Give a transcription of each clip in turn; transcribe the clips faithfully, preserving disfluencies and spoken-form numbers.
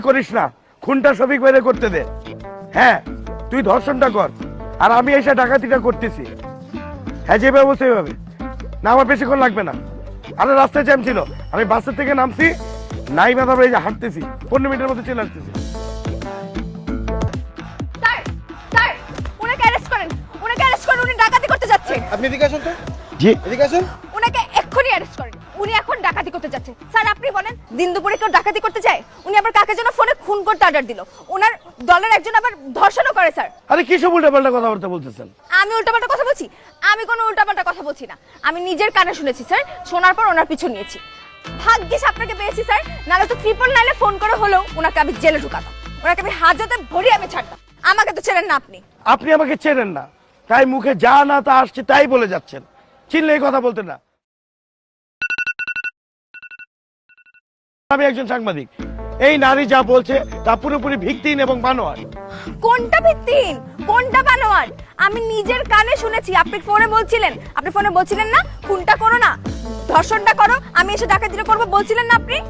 করিস না, খুনটা শফিক ভাইরে করতে দে। হ্যাঁ তুই ধর্ষণটা কর, আর আমি এসে ডাকাতিটা করতেছি। হ্যাঁ যেভাবে বলছে এইভাবে না, আমার বেশিক্ষণ লাগবে না। আরে রাস্তায় জ্যাম ছিল, আমি বাসের থেকে নামছি, নাই বা তারপরে এই যে হাঁটতেছি, পনেরো মিনিটের মধ্যে চলে আসতেছি। স্যার স্যার উনাকে অ্যারেস্ট করেন, উনাকে অ্যারেস্ট করেন, উনি ডাকাতি করতে যাচ্ছে। আপনি এদিকে আসুন তো। জি এদিকে আসুন। উনাকে এক্ষুনি অ্যারেস্ট করেন, উনি এখন ডাকাতি করতে যাচ্ছে। স্যার আপনি বলেন, দিন দুপুরে কেউ ডাকাতি করতে যায়? উনি আবার কাকে যেন ফোনে খুন করতে অর্ডার দিল, ওনার দলের একজন আবার ধর্ষণও করে। স্যার আরে কি সব উল্টাপাল্টা কথাবার্তা বলতেছেন? আমি উল্টাপাল্টা কথা বলছি? আমি কোনো উল্টাপাল্টা কথা বলছি না, আমি নিজের কানে শুনেছি স্যার, শোনার পর ওনার পিছু নিয়েছি। ভাগ্যিস আপনাকে পেয়েছি স্যার, নাহলে তো ট্রিপল নাইলে ফোন করে হলেও ওনাকে আমি জেলে ঢুকাতাম, ওনাকে আমি হাজতে ভরিয়ে আমি ছাড়তাম। আমাকে তো ছেড়েন না আপনি। আপনি আমাকে চেনেন না, তাই মুখে যা না তা আসছে তাই বলে যাচ্ছেন। চিনলে এই কথা বলতেন না। আমি একজন সাংবাদিক, এই নারী যা বলছে তা পুরোপুরি ভিত্তিহীন এবং বানোয়ার। কোনটা ভিত্তিহীন, কোনটা বানোয়ার? আমি নিজের কানে শুনেছি। আপনি ফোনে বলছিলেন, আপনি ফোনে বলছিলেন না খুনটা করো না, ধর্ষণটা করো, আমি এসে ডাকাতিটা করবো বলছিলেন না আপনি?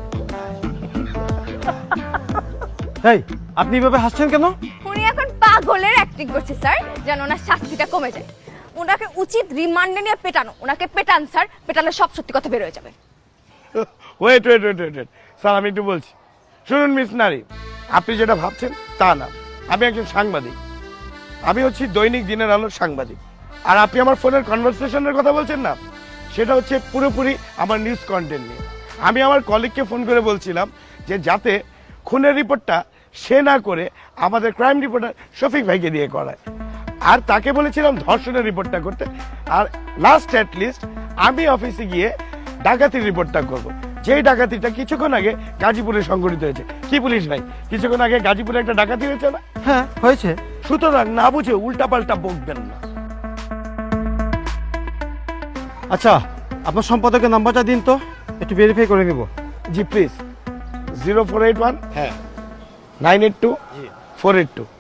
এই আপনি এভাবে হাসছেন কেন? উনি এখন পাগলের অ্যাক্টিং করছে স্যার, যেন ওনার শাস্তিটা কমে যায়। ওনাকে উচিত রিমান্ডে নিয়ে পেটানো, ওনাকে পেটান স্যার, পেটালে সব সত্যি কথা বের হয়ে যাবে। Wait wait wait wait sir, আমি একটু বলছি। শুনুন মিস নারী, আপনি যেটা ভাবছেন তা না। আমি একজন সাংবাদিক, আমি হচ্ছি দৈনিক দিনের আলোর সাংবাদিক। আর আপনি আমার ফোনের কনভারসেশনের কথা বলছেন না, সেটা হচ্ছে পুরোপুরি আমার নিউজ কন্টেন্ট নিয়ে। আমি আমার কলিগকে ফোন করে বলছিলাম যে যাতে খুনের রিপোর্টটা সে না করে আমাদের ক্রাইম রিপোর্টার শফিক ভাইকে দিয়ে করায়, আর তাকে বলেছিলাম ধর্ষণের রিপোর্টটা করতে। আর লাস্ট অ্যাট লিস্ট আমি অফিসে গিয়ে ডাকাতির রিপোর্টটা করব, যেই ডাকাতিটা কিছুক্ষণ আগে গাজীপুরে সংঘটিত হয়েছে। কি পুলিশ ভাই, কিছুক্ষণ আগে গাজীপুরে একটা ডাকাতি হয়েছে না? হ্যাঁ হয়েছে। সুতরাং না বুঝে উল্টাপাল্টা বকবেন না। আচ্ছা আপনার সম্পাদকের নাম্বারটা দিন তো, একটু ভেরিফাই করে নিব। জি please, zero four eight one হ্যাঁ nine eight two four eight two.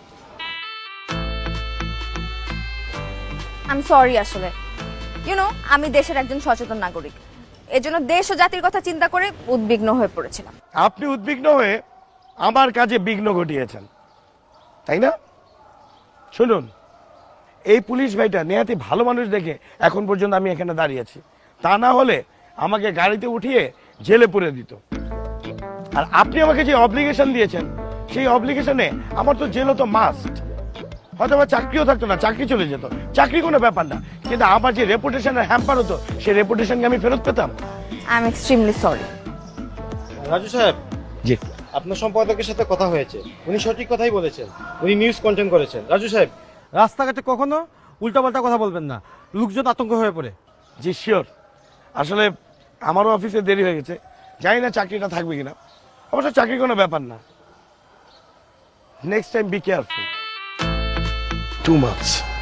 আমি সরি আসলে, ইউ নো আমি দেশের একজন সচেতন নাগরিক, এজন্য দেশ ও জাতির কথা চিন্তা করে উদ্বিগ্ন হয়ে পড়েছিলাম। আপনি উদ্বিগ্ন হয়ে আমার কাজে বিঘ্ন ঘটিয়েছেন, তাই না? শুনুন, এই পুলিশ ভাইটা নেহাতি ভালো মানুষ দেখে এখন পর্যন্ত আমি এখানে দাঁড়িয়েছি, তা না হলে আমাকে গাড়িতে উঠিয়ে জেলে পুরে দিত। আর আপনি আমাকে যে অব্লিগেশন দিয়েছেন, সেই অব্লিগেশনে আমার তো জেলও তো মাস্ট। হয়তো আমার চাকরিও থাকতো না, চাকরি চলে যেত, চাকরি কোনো ব্যাপার না, কিন্তু আমার যে রেপুটেশনের হ্যাম্পার হতো সেই রেপুটেশনকে আমি ফেরত পেতাম। I am extremely sorry. Raju সাহেব, জি আপনার সম্পাদকের সাথে কথা হয়েছে, উনি সঠিক কথাই বলেছেন, উনি নিউজ কন্টেন্ট করেছেন। রাজু সাহেব, রাস্তাঘাটে কখনো উল্টাপাল্টা কথা বলবেন না, লোকজন আতঙ্ক হয়ে পড়ে। জি শিওর। আসলে আমারও অফিসে দেরি হয়ে গেছে, জানি না চাকরিটা থাকবে কিনা। অবশ্য চাকরি কোনো ব্যাপার না, next time be careful. Too much.